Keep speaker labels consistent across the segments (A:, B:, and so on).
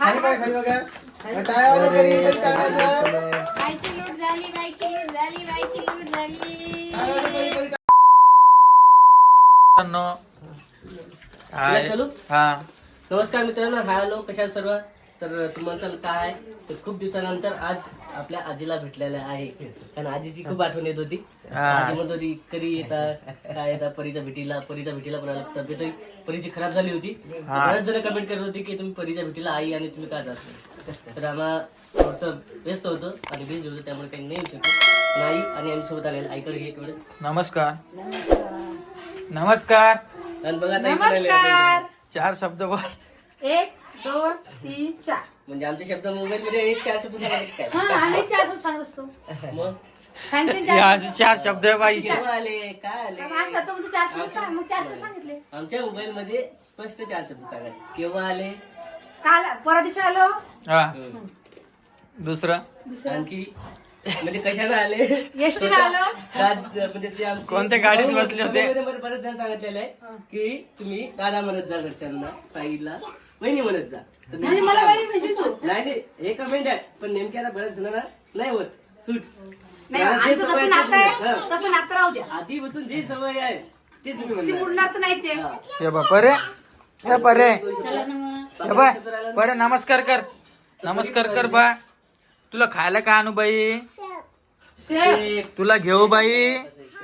A: खाली बघा टाळ्या वाजवा कधी टाळ्या वाजवा.
B: बाईची लूट झाली, बाईची लूट झाली, बाईची लूट झाली.
A: टाळ्या वाजवा कधी.
C: हाय.
D: चलू
C: हा
D: नमस्कार मित्रांनो, हॅलो, कशा आहात सर्व. तर तुम्हाला काय तर खूप दिवसानंतर आज आपल्या आजीला भेटलेलं आहे, कारण आजीची खूप आठवण येत होती. आजी म्हणत होती कधी येता काय येता परीच्या भेटीला पण आला. तब्येत परीची खराब झाली होती. बरेच जण कमेंट करत होते की तुम्ही परीच्या भेटीला आई आणि तुम्ही का जात नाही. तर आम्हाला थोडस व्यस्त होतं आणि बिझी होतं, त्यामुळे काही नाही येऊ शकतो. आई आणि आम्ही सोबत आलेलं आईकडे घे थोडं.
C: नमस्कार. नमस्कार.
D: आणि बघा
B: नमस्कार.
C: 4 शब्द बोल.
B: 1 2 3 4.
D: म्हणजे आमचे शब्द मोबाईल मध्ये एक 4 शब्द सांगायचे काय.
B: हा, आम्ही 4 शब्द सांगत असतो.
D: मग
B: सांगते
C: हे असे 4 शब्द आहे बाई.
D: केव्हा आले काय आले.
B: असतात तुमचे 4 शब्द सांग, मग 4 शब्द सांगितले.
D: आमच्या मोबाईल मध्ये स्पष्ट 4 शब्द सांगा. केव्हा आले,
B: काल परवा दिवशी आलो.
C: हा दुसरं
D: आणखी म्हणजे कशाला आले,
B: एसटीने आलो.
D: म्हणजे ते आमचे
C: कोणत्या गाडीत बसले होते?
D: comment मध्ये बरेच जण सांगितलेलं आहे की तुम्ही दादा म्हणत जा घरच्यांना, ताईला वहिनी म्हणत जा. तर
B: म्हणजे मला वहिनी म्हणजे तू.
D: नाही हे कमेंट आहे, पण नेमक्या आता बऱ्याच जणांना नाही होत सूट.
B: नाही,
D: मला जे
B: आमचं
D: सवय
B: तसं
D: आहे
B: नातं आहे,
D: तेच म्हणतात.
B: तसं नातं राहू द्या.
D: आधीपासून जी सवय आहे तीच मी
B: ती
D: म्हणणार.
B: मुडणार तर नाहीच आहे.
C: हे बा परे. हे परे.
B: चला ना मग.
C: हे बाय परे नमस्कार कर. नमस्कार कर बा. तुला खायला का आणू बाई?
B: शेफ.
C: तुला घेऊ बाई.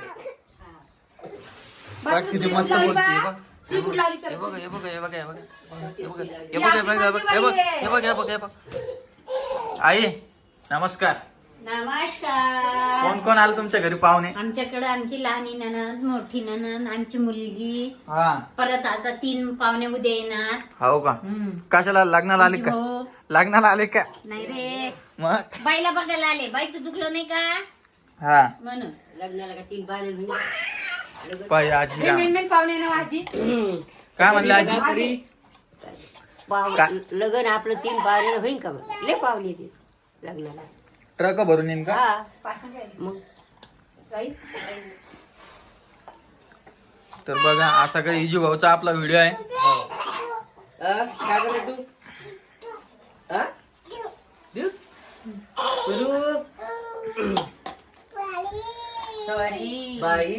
C: बघ किती मस्त बोलते. हे बघ.
B: शी कुठं लावली
C: हे
B: चल.
C: बघ हे बघ हे बघ हे बघ हे बघ हे बघ हे बघ हे बघ हे बघ हे बघ हे बघ हे बघ. आई नमस्कार.
B: नमस्कार.
C: कोण कोण आलं तुमच्या घरी पाहुणे?
B: आमच्याकडे आमची लहानी ननद, मोठी ननद, आमची मुलगी,
C: हा
B: परत आता 3 पाहुणे उद्या येणार.
C: हो का? कशाला लग्नाला आले का?
B: भाऊ.
C: लग्नाला आले का?
B: नाही रे,
C: मग
B: बाईला बघायला आले. बाईचं दुखलं नाही का
C: हा
B: म्हणून.
D: लग्नाला का 3 पाहुणे
C: पाय आजी
B: हे मेन पाहुणे ना माझी.
C: काय म्हणलं आजी?
E: लग्न आपलं 3 पाहुणे होईन का मग? लय पाहुणे येते लग्नाला.
C: ट्रक भरून येईन का?
E: हा
B: पासून काय
E: मग
B: बाई.
C: तर बघा असा काही इजू भाऊचा आपला व्हिडिओ आहे.
D: काय करत तू? हा? देऊ? करू? बाई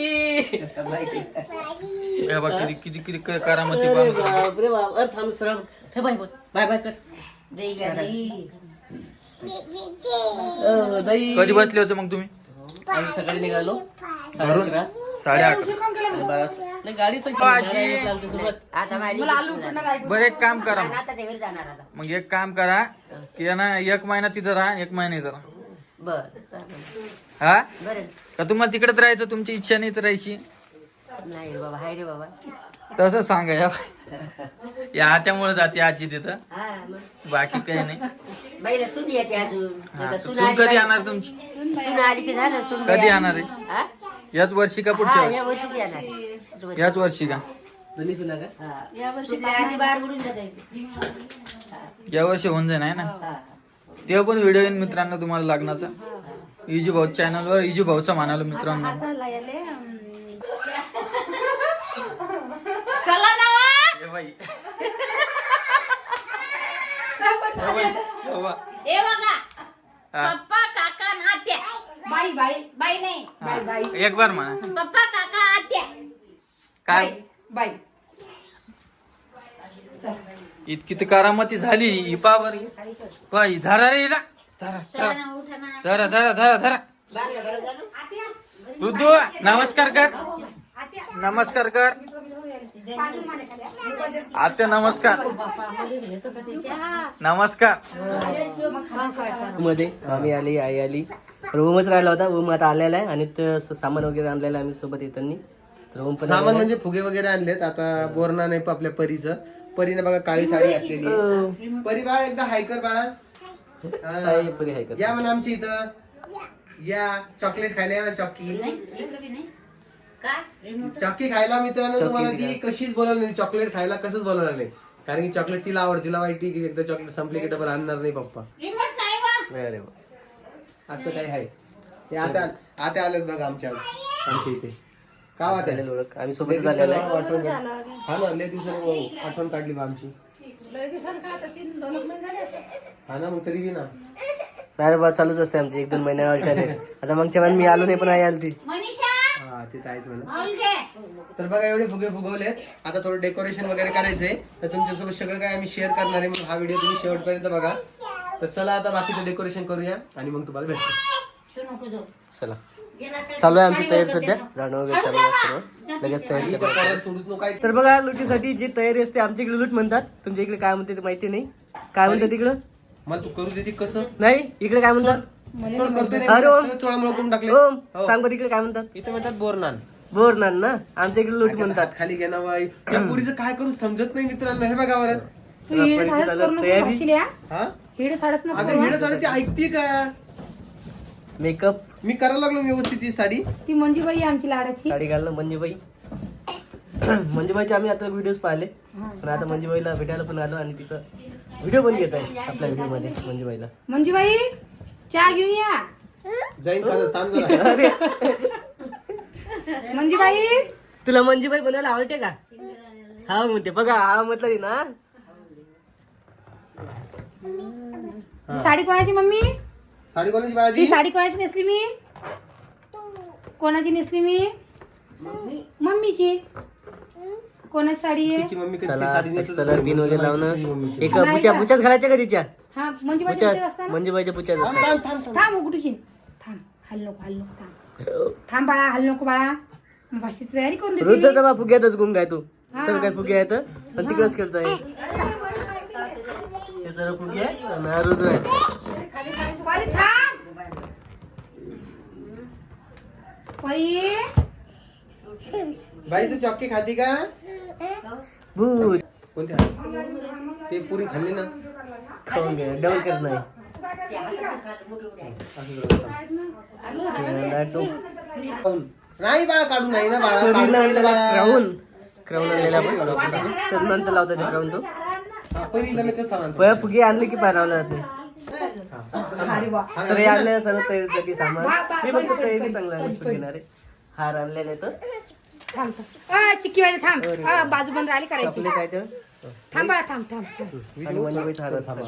C: हे बघ किती किती किती करामती
D: अरे
C: पाहून.
D: बाप रे बाप. अरे थांब सरळ. हे बाय बोल. बाय बाय कर.
E: दही घ्या दही.
D: बाई
C: कधी बसले होते मग तुम्ही?
D: आम्ही सकाळी निघालो
C: घरून?
D: 11:30.
C: 8:30.
D: आणि 12 नाही गाडीचं
C: बाजी.
D: आमच्यासोबत.
E: आता माझी
C: बरं एक काम करा मग.
E: आता घरी जाणार आता.
C: मग एक काम करा की ना 1 महिना तिथं राहा 1 महिना इथं राहा.
E: बर
C: हा
E: बर.
C: का तुम्हाला तिकडेच राहायचं? तुमची इच्छा नाही तर राहायची?
E: नाही रे बाबा, हाय रे बाबा.
C: तसं सांगा या त्यामुळे जाते आजी तिथं,
E: हा मग
C: बाकी काही नाही.
E: बाईला सून येते अजून.
C: हा,
E: आता
C: तर
E: सून
C: सून
E: आली
C: कधी
E: बाई-
C: येणार तुमची?
E: सून आली की झालं. सून
C: कधी
E: बाई
C: येणार
E: आली.
C: आहे?
E: हा?
C: याच वर्षी का पुढच्या
E: हा,
C: वर्षी?
E: या वर्षीच येणार.
C: याच वर्षी का?
D: दोन्ही सुना का?
E: हा. सून आधी बाहेर उडून जाते.
C: या वर्षी होऊन जाईल आहे ना?
E: हा.
C: तेव्हा पण व्हिडिओ येईन मित्रांनो तुम्हाला लग्नाचा. इजू भाऊ चॅनलवर इजू भाऊचा म्हणालो मित्रांनो.
B: चला ना वा.
C: ए बाई.
B: ए बघा,
C: हा.
B: पप्पा काका आणि आत्या. बाई बाई बाई नाही, बाई बाई.
C: एक बार म्हणा.
B: पप्पा काका आत्या.
C: काय
B: बाई.
C: इतकी तर करामती झाली ही पावर. बाई धरा रे हिला. धरा
B: चला
C: धरा
B: ना, उठा ना.
C: धरा धरा धरा धरा. ऋतू नमस्कार कर. नमस्कार कर. आत्या नमस्कार. नमस्कार.
D: मध्ये आम्ही आली, आई आली. रूमच राहिला होता. रूम आता आलेला आहे आणि ते सामान वगैरे आणलेलं आहे आम्ही सोबत येताना. रूम पण
A: सामान म्हणजे फुगे वगैरे आणलेत. आता बोरना नाही आपल्या परीचं. परीने बघा काळी साडी घातलेली आहे. परी बाळा एकदा हायकर बाळा. हा. या म्हणा आमच्या इथं या. चॉकलेट खायला या ना. चॉकी चॉकी खायला मित्रांनो. तुम्हाला ती कशीच बोलावली नाही. चॉकलेट खायला कसंच बोलावलं नाही, कारण की चॉकलेट तिला आवड. तिला वाईट की एकदा चॉकलेट संपले की डबल आणणार नाही पप्पा.
B: रिमोट नाही वा.
D: अरे वा.
A: असं काही आहे. हे आता आलेत बघा आमच्या इथे. का वाटत
D: आम्ही सोबतच आलेलो आहे.
A: आठवण. हा ना, लय दिवसाने आठवण काढली बा आमची. हा ना, मग तरी बी ना.
D: नाही रे बा, चालूच असते आमचे 1-2 महिने अल्टरनेट. आता मागच्या वेळेला मी आलो नाही पण आई आली ती.
B: मनीषा
A: हा ते तर आहेच म्हणा.
B: माऊल घे.
A: तर बघा एवढे फुगे फुगवलेत. आता थोडं डेकोरेशन वगैरे करायचंय, तर तुमच्यासोबत सगळं काय आम्ही शेअर करणार आहे, म्हणून हा व्हिडिओ तुम्ही शेवटपर्यंत बघा. तर चला आता बाकीचं डेकोरेशन करूया आणि मग तुम्हाला भेटतो.
B: तू नको जाऊ.
D: चला चालू आहे आमची तयारी सध्या. जाणं वगैरे चालू आहे सर्व. लगेच तयारी करा.
A: कोणाला सोडूच नको काय.
D: तर बघा लुटीसाठी जी तयारी असते आमच्या इकडे लूट म्हणतात, तुमच्या इकडे काय म्हणते ते माहिती नाही. काय म्हणतात तिकडं?
A: मला तू करू देते कसं?
D: नाही इकडे काय म्हणतात?
A: सोड करतोय नाही,
D: अरे ओम.
A: सगळं चोळामोळा करून टाकले.
D: ओम
A: हो.
D: सांग बरं इकडे काय म्हणतात?
A: इथे म्हणतात बोरनान.
D: बोरनान ना, आमच्या इकडे लूट म्हणतात.
A: हात खाली घ्या ना बाई. या पुरीचं काय करू समजत नाही मित्रांनो. हे बघा बरं.
D: रात्रीची चालू तयारी.
A: हा
B: हिड साडस नको.
A: आता हिडं साडी ती ऐकते का?
D: मेकअप
A: मी करायला लागलो व्यवस्थित ही साडी.
B: ती मंजूबाई आमची लाडाची.
D: साडी घालणं मंजूबाई. मंजूबाईचे आम्ही आता व्हिडिओज पाहिले, पण आता मंजूबाईला भेटायला पण आलो आणि तिचा व्हिडिओ पण घेत आहे आपल्या व्हिडिओ मध्ये. मंजूबाईला
B: मंजूबाई चहा घेऊन या.
A: जाईन खरंच, थांब जरा.
D: अरे
B: मंजूबाई
D: तुला मंजूबाई बनायला आवडते का? हा म्हणते बघा, हा म्हटलं ना.
B: ही साडी कोणाची मम्मी?
A: साडी कोणाची बाळा
B: ती साडी कोणाची नेसली मी? कोणाची नेसली मी? मम्मीची. कोणाची साडी आहे?
A: तिची मम्मी कधी
D: चला
A: साडी नेसत
D: कलर बिन वगैरे लावणं.
A: मम्मीची.
D: एक बुच्याच घालायच्या का तिच्या?
B: हा मंजूबाईची
D: बुच्याच
B: विचार असताना.
D: मंजूबाईच्या बुच्याच असतात.
A: थांब, थांब, थांब.
B: थांब उघडूची. थांब हल नको थांब. थांब बाळा, हल नको बाळा. भाषेची तयारी करून देते
D: रुद्र
B: मी.
D: तर बा फुग्यातच गुंग आहे तू. सर्व काय फुगे आहेत पण तिकडेच खेळतोय. हे सर्व फुगे आहे आणि हा रुद्र आहे.
B: परी थांब. परी
A: बाई तू चॉकी खाती का?
D: भूत
A: कोणती? ते पुरी खाल्ली ना.
D: खाऊन घे, डबल करत नाही.
A: नाही बाळा, काढू नाही ना बाळा. काढू
D: परीला
A: नाही ना
D: आणलेला
A: बाळा.
D: क्राऊन आणलेला आपण. तर नंतर लावता ते क्राऊन तो.
A: हा, परीला मी कसं आणतो?
D: पया फुगे आणले की पारावला जात नाही.
B: अरे वा.
D: तर हे आणलेलं सर्व तयारीसाठी सामान. मी फक्त तयारी चांगला घेणार आहे. हार आणलेले तर
B: थांब थांब. चिक्की वाले थांब. बाजू बंद राहिली करायची.
D: चॉकलेट आहे तर.
B: थांब बाळा, थांब थांब थांब.
D: आणि मंजूबाईचा हार असतो.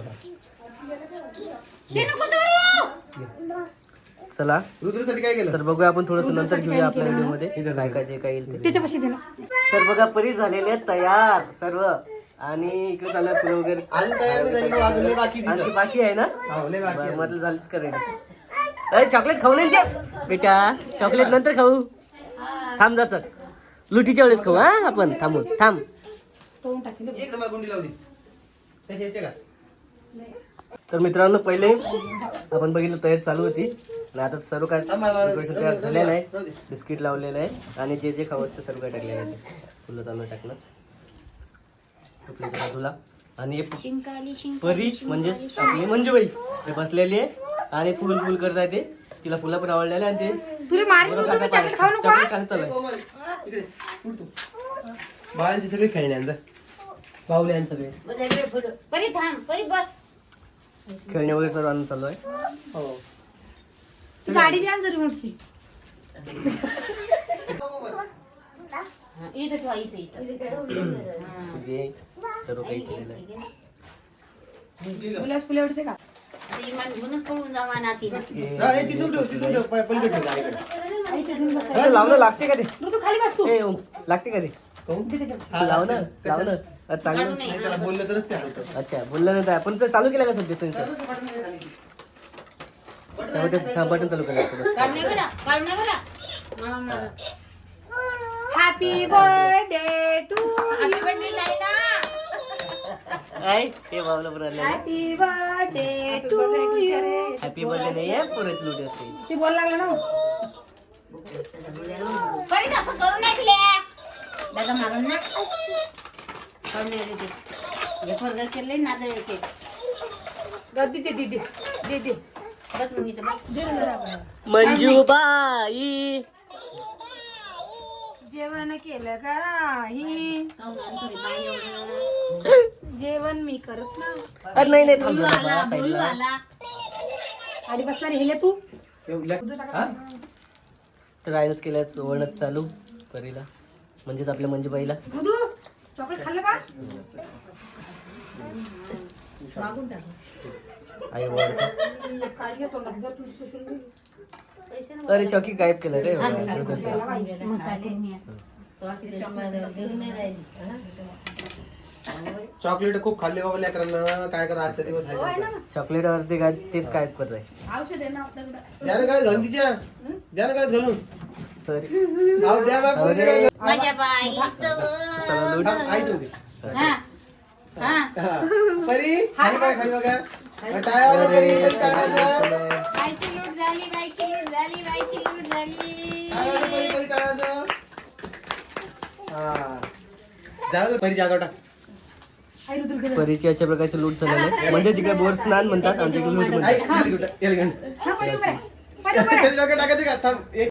B: ते नको तोडू.
D: चला
A: रुद्रसाठी काय केलं?
D: तर बघूया आपण थोडस नंतर घेऊया आपल्या व्हिडिओ मध्ये काय काय जे काय येईल ते.
B: त्याच्यापाशी दे ना.
D: तर बघा परी झालेले आहेत तयार सर्व. आणि इकडे चालू फुलं वगैरे
A: अजून तयार नाही झाली, अजून लय बाकी
D: आणखी
A: तिचं.
D: बाकी आहे ना.
A: हो, लय बाकी आहे.
D: म्हटलं झालीच करायला. अरे चॉकलेट खाऊ नाही द्या बेटा, चॉकलेट नंतर खाऊ. थांब जर सर, लुटीच्या वेळेस खाऊ. हा आपण थांबू. थांब.
B: तोडून टाकेल.
A: एक नंबर गुंडी लावली. त्याच्या याच्या का?
D: तर मित्रांनो पहिले आपण बघितलं तयारी चालू होती आणि आता सर्व काय decoration तयार झालेलं आहे. बिस्किट लावलेलं आहे आणि जे जे खावं असतं सर्व काय टाकलेलं आहे. फुलं चालू टाकणं आपल्या बाजूला. आणि हे परी म्हणजे आपली मंजूबाई ते बसलेली आहे आणि फुल करत आहे. ते तिला फुलं पण आवडलेले आणि ते
B: तुला मारीन तू. तुम्ही चॉकलेट खाऊ नको.
D: चॉकलेट खायला चालू आहे.
A: कोमल, इकडे, उठ तू. बाळांची सगळी खेळणी अंदर पावले आणि सगळे.
B: परी थांब. परी बस.
D: खेळणे वगैरे सर्व आणून चालू आहे.
A: हो.
B: गाडी बी आण जरी मोठी. इथे ठेवा, इथे
D: जे सर्व काही केलेलं आहे.
B: गुलाब फुले आवडते का?
A: हा, हे तिथून ठेव, तिथून ठेव. पलीकडे ठेव, गाडीकडे.
B: इथे घेऊन बस.
D: हे लावणं लागते का ते?
B: तू खाली बस तू.
D: ए ओम, लागते का ते?
A: काहून?
B: इथे त्याच्या.
A: हा,
D: लाव ना
A: लागतं.
D: लाव ना. अरे चांगलं.
A: नाही, त्याला बोललं तरच ते हलतं.
D: अच्छा बोललं नाही आपण तर चालू केलं का सध्या सेन्सर? बटन चालू केलं.
B: हॅपी बर्थडे टू
D: काय ते बाबला पण आलेलं आहे.
B: Happy birthday to you.
D: Happy birthday नाही आहे परत लुटी असते.
B: ते बोल लागलं ना.
E: परी असं करू नाही तुला दादा मारून ना करून हे फरगर केले ना ते
B: रद्दी दे दे दे दे दे.
E: बस मग इथं बस.
D: मंजूबाई
B: जेवण केलं का नाही? जेवण मी करत ना.
D: अरे नाही नाही थांब
E: बोलू
D: जरा
E: आला
D: बाळा,
E: बोलू
D: साईडला.
E: आला.
B: गाडी बसणारी हेले तू.
A: हा?
D: तर आयनच केल्याच वळणच चालू परीला म्हणजेच आपल्या मंजूबाईला.
B: मधू चॉकलेट खाल्लं का? मागून टाक.
C: आई ओरडते.
B: काढ घे तोंडात. जर तू सुसून गेली.
C: अरे चॉकी गायब केलं रे
B: त्याला पाहिजे.
A: चॉकलेट खूप खाल्ले बाबा लेकरांना. काय करा आजचा दिवस आहे.
C: चॉकलेट वरती काय तेच गायब करत आहे.
B: औषध आहे ना आपल्याकडे.
A: द्या ना काय घालून तिच्या. द्या ना काय घालून.
C: सॉरी
A: आहो द्या बा कोणी काय.
E: माझ्या बाईचं
C: चला लूट.
A: आई ठेवते.
E: हा हा
A: हा. परी खाली काय खाली बघा. टाळ्या वाजवा परी. परी टाळ्या वाजवा.
E: बाईची लूट झाली, बाईची लूट झाली, बाईची लूट झाली.
A: टाळ्या वाजवा परी. परी टाळ्या वाजवा. हा. जाऊ दे, परी जागा टाक.
B: आई रुद्र गेलं.
C: परीची अशा प्रकारची लूट झालेली आहे. म्हणजे तिकडे बोर स्नान म्हणतात आमच्या इकडे लूट म्हणतात.
A: आई, याला घेऊन टाक, याला घेऊन टाक.
B: हा, परी उभं राहा. परी उभं राहा.
A: त्याच्या डोक्यात टाकायचं का थांब. एक